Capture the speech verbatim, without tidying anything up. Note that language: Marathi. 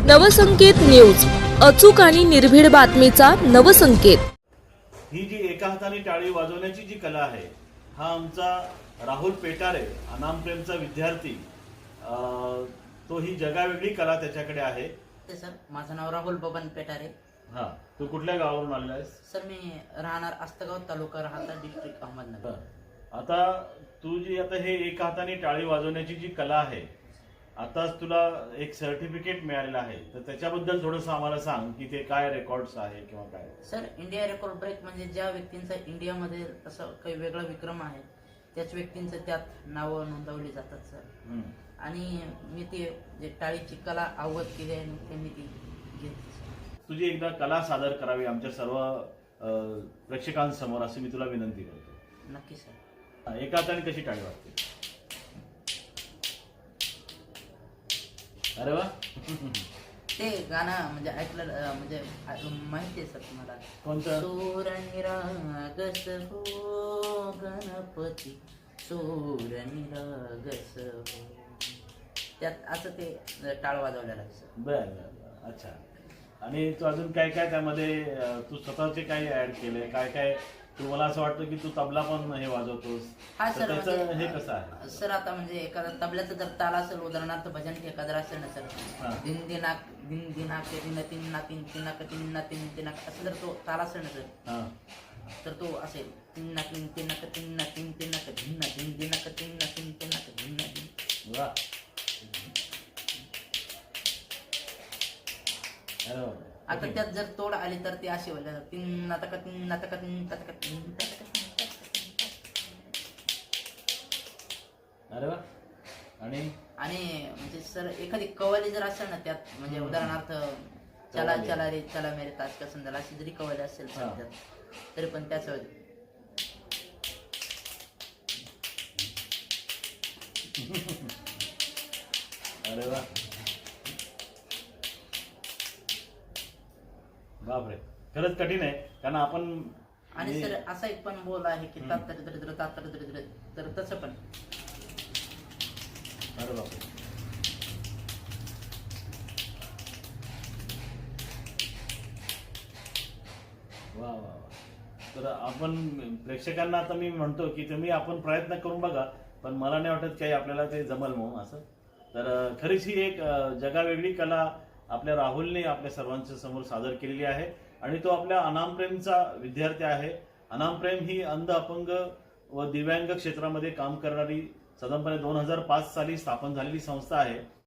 नवसंकेत न्यूज, अचूक आणि निर्भीड बातमीचा नवसंकेत। ही जी एका हाताने टाळी वाजवण्याची जी कला आहे, हा आमचा राहुल पेटारे अनामप्रेमचा विद्यार्थी, तो ही जगावेगळी कला त्याच्याकडे आहे। सर, माझं नाव राहुल बबन पेटारे। हा, तू कुठल्या गावावरून आलेला आहेस? सर, मी राहणार आस्तगाव तालुका राहता डिस्ट्रिक्ट अहमदनगर। आता तू जी आता हे एका हाताने टाळी वाजवण्याची जी कला आहे, आताच तुला एक सर्टिफिकेट मिळालेलं आहे, तर त्याच्याबद्दल थोडंसं आम्हाला सांग की ते काय रेकॉर्ड्स आहे किंवा काय? सर, इंडिया रेकॉर्ड ब्रेक म्हणजे ज्या व्यक्तींचा इंडियामध्ये असं काही वेगळा विक्रम आहे त्याच व्यक्तींचं त्यात नावं नोंदवली जातात सर। आणि मी ती जे टाळीची कला अवगत केली आहे ते मी ती घेतली। तुझी एकदा कला सादर करावी आमच्या सर्व प्रेक्षकांसमोर अशी मी तुला विनंती करतो। नक्की सर। एका हाताने कशी टाळी वाजते? अरे वा, ते गाणं म्हणजे ऐकलं म्हणजे माहिती आहे सर तुम्हाला? कोणतं? सूर निरागस हो गणपती, सूर निरागस हो, त्यात असं ते टाळ वाजवलेलं आहे सर। बर बर, अच्छा। आणि तू अजून काय काय त्यामध्ये तू स्वतःचे काय ऍड केले, काय काय तू, मला असं वाटतं की तू तबला पण हे वाजवतोस? हा सर, त्याचं हे कसं आहे सर? आता म्हणजे एखादा तबल्याचं जर ताल असेल, उदाहरणार्थ भजन एखादं असेल ना सर, दिन दिनाक दिन दिनाक दिन तीन ना तीन तीनाक तीन ना तीन तीनाक असं जर तो ताल असेल ना सर, तर तो असेल तीन ना तीन तीनाक तीन ना तीन तीनाक धिन ना दिन दिनाक तीन ना तीन तीनाक धिन ना दिन। वा, अरे आता त्यात जर तोड आली तर ती अशी होईल, तीन नाटक तीन नाटक तीन नाटक तीन अरे वा। आणि आणि म्हणजे सर एखादी कवाली जर असेल ना त्यात, म्हणजे उदाहरणार्थ चला चला रे चला मेरे ताज का संदल अशी जरी कवाली असेल सर त्यात, तरी पण त्याच अरे वा, बापरे, खरंच कठीण आहे कारण आपण। आणि सर असा एक पण बोल आहे की तात दरिद्र तात दरिद्र, तर तसं पण। अरे बापरे, वा वा वा। तर आपण प्रेक्षकांना आता मी म्हणतो की तुम्ही आपण प्रयत्न करून बघा, पण मला नाही वाटत काही आपल्याला ते जमल म्हणून असं। तर खरीच ही एक जगावेगळी कला आपल्या राहुलने आपल्या सर्वांच्या समोर सादर केलेली आहे आणि तो आपल्या अनामप्रेमचा विद्यार्थी आहे। अनामप्रेम ही अंध, अपंग व दिव्यांग क्षेत्रामध्ये काम करणारी साधारणपणे दोन हजार पाच साली स्थापन झालेली संस्था आहे।